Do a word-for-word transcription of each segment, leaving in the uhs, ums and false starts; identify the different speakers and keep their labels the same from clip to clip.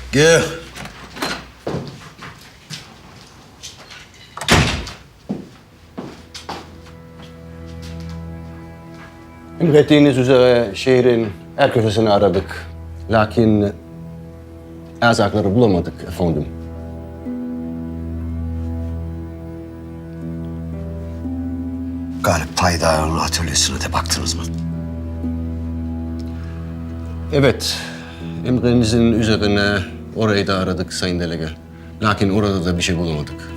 Speaker 1: Gel.
Speaker 2: Emrettiğiniz üzere şehrin her köşesini aradık. Lakin erzakları bulamadık efendim.
Speaker 1: Galip Paydar'ın atölyesine de baktınız mı?
Speaker 2: Evet, emrinizin üzerine orayı da aradık Sayın Delege. Lakin orada da bir şey bulamadık.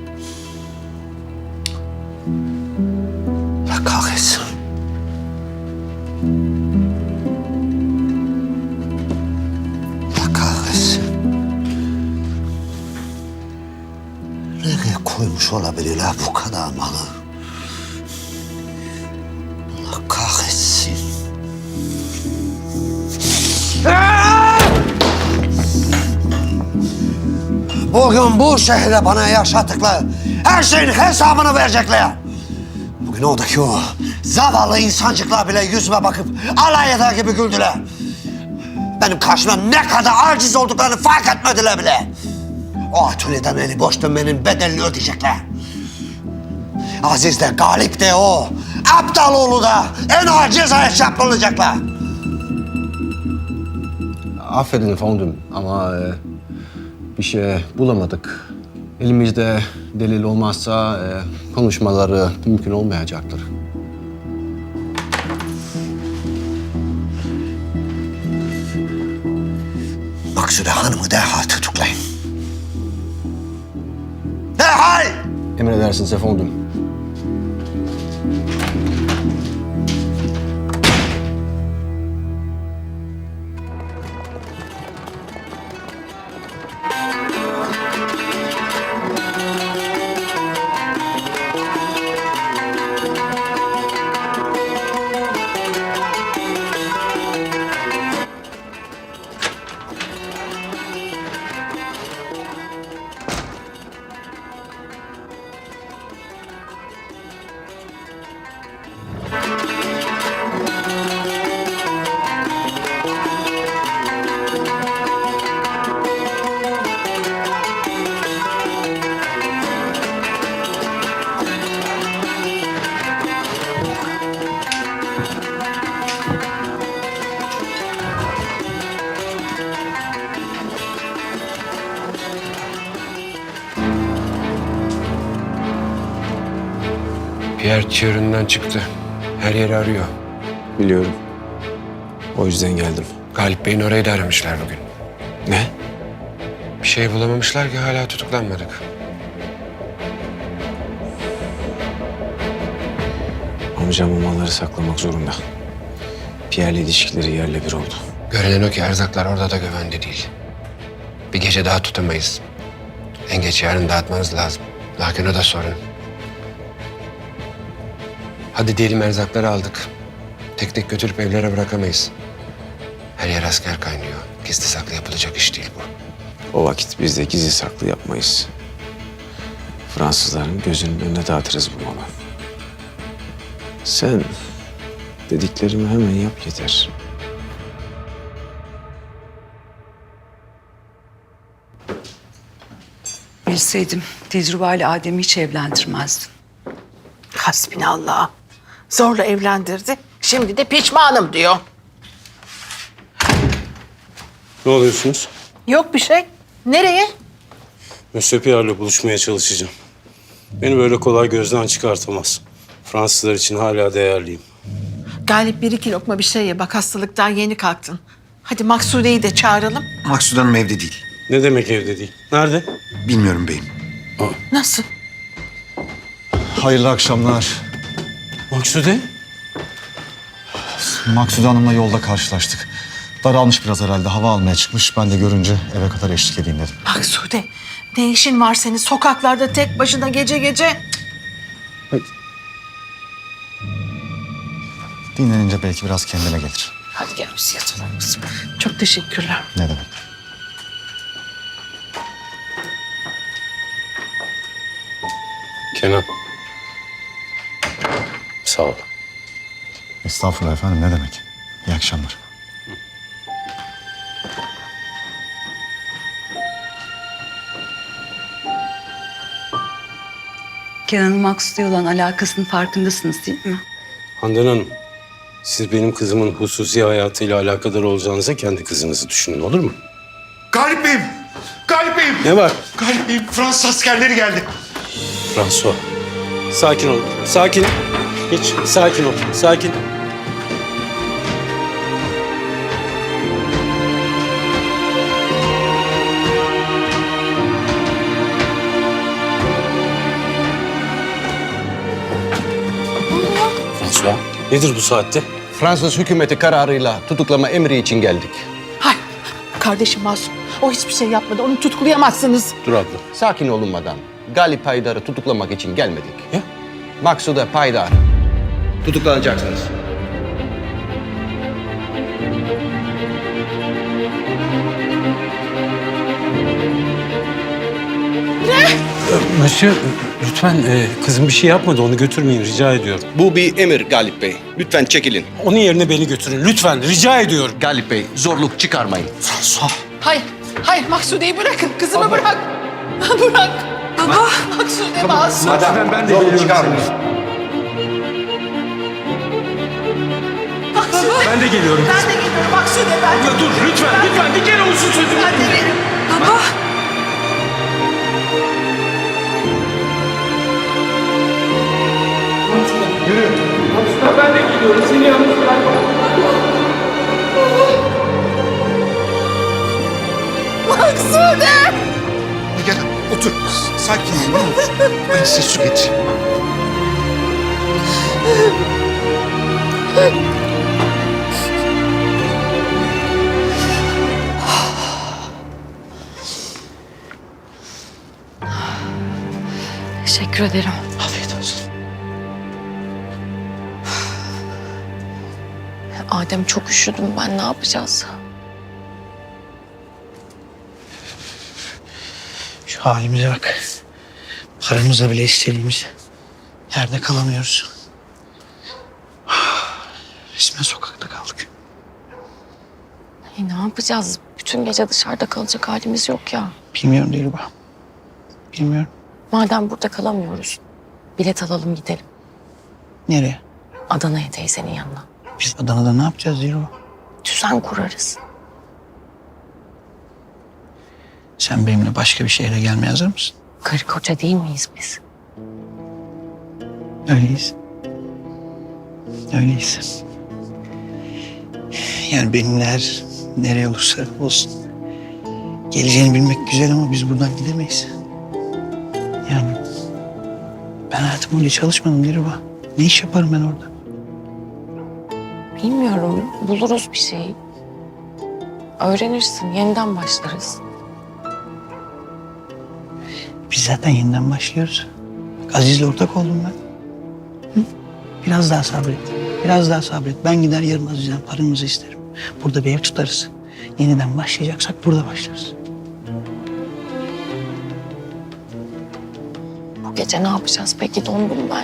Speaker 1: Allah kahretsin. Allah kahretsin. Nereye koymuş olabilirler bu kadar malı? Allah kahretsin. Bugün bu şehre bana yaşattıkları her şeyin hesabını verecekler. Bugün oradaki o zavallı insancıklar bile yüzüme bakıp alay eder gibi güldüler. Benim karşıma ne kadar aciz olduklarını fark etmediler bile. O atölyeden eli boş dönmenin bedelini ödeyecekler. Aziz de Galip de o Aptaloğlu da en ağır cezaya çarptırılacaklar.
Speaker 2: Affedin efendim ama e, bir şey bulamadık. Elimizde delil olmazsa e, konuşmaları mümkün olmayacaktır.
Speaker 1: Maksude Hanım'ı derhal tutuklayın. Derhal!
Speaker 2: Emredersiniz efendim.
Speaker 3: Pierre çığırından çıktı. Her yeri arıyor.
Speaker 4: Biliyorum. O yüzden geldim.
Speaker 3: Galip Bey'in orayı da aramışlar bugün.
Speaker 4: Ne?
Speaker 3: Bir şey bulamamışlar ki hala tutuklanmadık.
Speaker 4: Amcam bu malları saklamak zorunda. Pierre'le ilişkileri yerle bir oldu.
Speaker 3: Görünen o ki erzaklar orada da güvende değil. Bir gece daha tutamayız. En geç yarın dağıtmanız lazım. Lakin o da sorun. Hadi diyelim erzakları aldık. Tek tek götürüp evlere bırakamayız. Her yer asker kaynıyor. Gizli saklı yapılacak iş değil bu.
Speaker 4: O vakit biz de gizli saklı yapmayız. Fransızların gözünün önüne dağıtırız bu malı. Sen dediklerimi hemen yap yeter.
Speaker 5: Bilseydim tecrübeli Adem'i hiç evlendirmezdim.
Speaker 6: Hasbinallah. Zorla evlendirdi. Şimdi de pişmanım diyor.
Speaker 7: Ne oluyorsunuz?
Speaker 6: Yok bir şey. Nereye?
Speaker 7: Monsieur Pierre'le buluşmaya çalışacağım. Beni böyle kolay gözden çıkartamaz. Fransızlar için hala değerliyim.
Speaker 6: Galip bir iki lokma bir şey ye. Bak hastalıktan yeni kalktın. Hadi Maksude'yi de çağıralım.
Speaker 1: Maksude Hanım evde değil.
Speaker 7: Ne demek evde değil? Nerede?
Speaker 1: Bilmiyorum beyim.
Speaker 6: Nasıl?
Speaker 8: Hayırlı akşamlar.
Speaker 7: Maksude?
Speaker 8: Maksude Hanım'la yolda karşılaştık. Daralmış biraz herhalde. Hava almaya çıkmış. Ben de görünce eve kadar eşlik edeyim dedim.
Speaker 6: Maksude, ne işin var senin sokaklarda tek başına gece gece?
Speaker 8: Dinlenince belki biraz kendine gelir.
Speaker 6: Hadi gel biz yatalım kızım. Çok teşekkürler.
Speaker 8: Ne demek?
Speaker 7: Kenan. Sağ ol.
Speaker 8: Estağfurullah efendim, ne demek? İyi akşamlar.
Speaker 5: Kenan'ın Maksud'a olan alakasının farkındasınız değil mi?
Speaker 7: Handan Hanım, siz benim kızımın hususi hayatıyla alakadar olacağınıza kendi kızınızı düşünün, olur mu?
Speaker 9: Galip Bey'im! Galip Bey'im!
Speaker 7: Ne var?
Speaker 9: Galip Bey'im, Fransız askerleri geldi.
Speaker 7: François, sakin ol, sakin. Hiç, sakin ol, sakin. François, nedir bu saatte?
Speaker 2: Fransız hükümeti kararıyla tutuklama emri için geldik.
Speaker 6: Hay, kardeşim masum. O hiçbir şey yapmadı. Onu tutuklayamazsınız.
Speaker 7: Dur abla.
Speaker 2: Sakin olun madam. Galip Haydar'ı tutuklamak için gelmedik.
Speaker 7: Ya?
Speaker 2: Maksude Paydar. Tutuklanacaksınız.
Speaker 7: Monsieur, lütfen e, kızım bir şey yapmadı. Onu götürmeyin, rica ediyorum.
Speaker 2: Bu bir emir Galip Bey. Lütfen çekilin.
Speaker 7: Onun yerine beni götürün. Lütfen, rica ediyorum.
Speaker 2: Galip Bey, zorluk çıkarmayın.
Speaker 7: François.
Speaker 6: Hayır, hayır Maksude'yi bırakın. Kızımı bırak. Bırak. Baba. Maksude masum.
Speaker 2: Ben de zorluk çıkarmayın.
Speaker 6: Maksude.
Speaker 7: Ben de geliyorum.
Speaker 6: Ben de geliyorum Maksude ben.
Speaker 7: Ya dur, lütfen, lütfen. Bir kere olsun sözüm.
Speaker 6: Ben de geliyorum. Baba.
Speaker 7: Ben de geliyorum. Seni yalnız bırakmam.
Speaker 6: Maksude.
Speaker 9: Gel, otur. Sakin ol, ne olur. Ben size su getireyim.
Speaker 5: Teşekkür ederim.
Speaker 9: Afiyet olsun.
Speaker 10: Adem çok üşüdüm ben, ne yapacağız?
Speaker 11: Şu halimize bak. Paramızla bile istediğimiz yerde kalamıyoruz. Resmen sokakta kaldık.
Speaker 10: E, ne yapacağız? Bütün gece dışarıda kalacak halimiz yok ya.
Speaker 11: Bilmiyorum Dilruba. Bilmiyorum.
Speaker 10: Madem burada kalamıyoruz, bilet alalım gidelim.
Speaker 11: Nereye?
Speaker 10: Adana'ya, teyzenin yanına.
Speaker 11: Biz Adana'da ne yapacağız Dilruba?
Speaker 10: Düzen kurarız.
Speaker 11: Sen benimle başka bir şehre gelmeye hazır mısın?
Speaker 10: Karı koca değil miyiz biz?
Speaker 11: Öyleyiz. Öyleyiz. Yani benimle her nereye olursa olsun. Geleceğini bilmek güzel ama biz buradan gidemeyiz. Yani ben hayatım boyunca çalışmadım Dilruba. Ne iş yaparım ben orada?
Speaker 10: Bilmiyorum, buluruz bir şey. Öğrenirsin, yeniden başlarız.
Speaker 11: Biz zaten yeniden başlıyoruz. Bak, Aziz'le ortak oldum ben. Hı? Biraz daha sabret. Biraz daha sabret. Ben gider yarın Aziz'den paramızı isterim. Burada bir ev tutarız. Yeniden başlayacaksak burada başlarız.
Speaker 10: Bu gece ne yapacağız peki, dondum ben.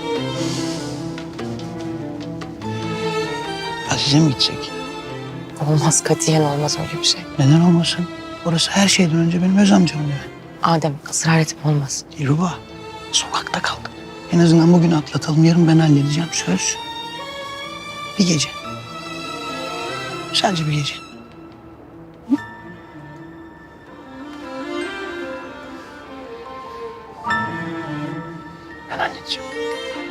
Speaker 11: Aziz'e mi gitsek?
Speaker 10: Olmaz, katiyen olmaz öyle bir şey.
Speaker 11: Neden olmasın? Orası her şeyden önce benim öz amcam yani.
Speaker 10: Adem, ısrar etme, olmaz.
Speaker 11: Dilruba, sokakta kaldık. En azından bugünü atlatalım. Yarın ben halledeceğim. Söz. Bir gece. Sadece bir gece. Hı? Ben halledeceğim.